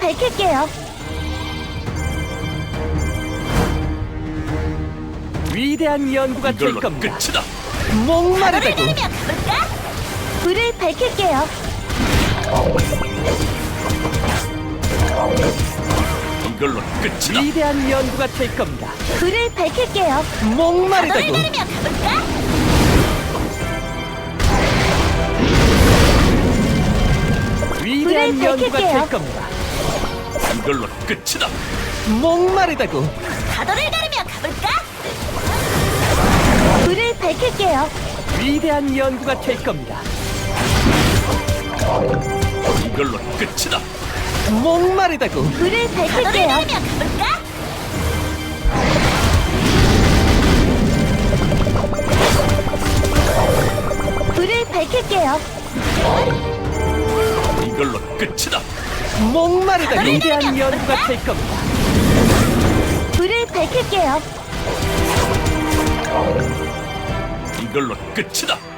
밝힐게요. 위대한 연구가 될 이걸로 겁니다. 끝이다. 목마르다고 가볼까? 불을 밝힐게요. 이걸로 끝이다. 위대한 연구가 될 겁니다. 불을 밝힐게요. 목마르다고 가볼까? 위대한 불을 연구가 밝힐게요. 될 겁니다. 이걸로 끝이다. 목마르다고 가도를 가르며 가볼까? 불을 밝힐게요. 위대한 연구가 될 겁니다. 이걸로 끝이다. 목마르다고 불을 밝힐게요. 가볼까? 불을 밝힐게요. 이걸로 끝이다. 목마르다고 위대한 연구가 될 겁니다. 불을 밝힐게요. 이걸로 끝이다.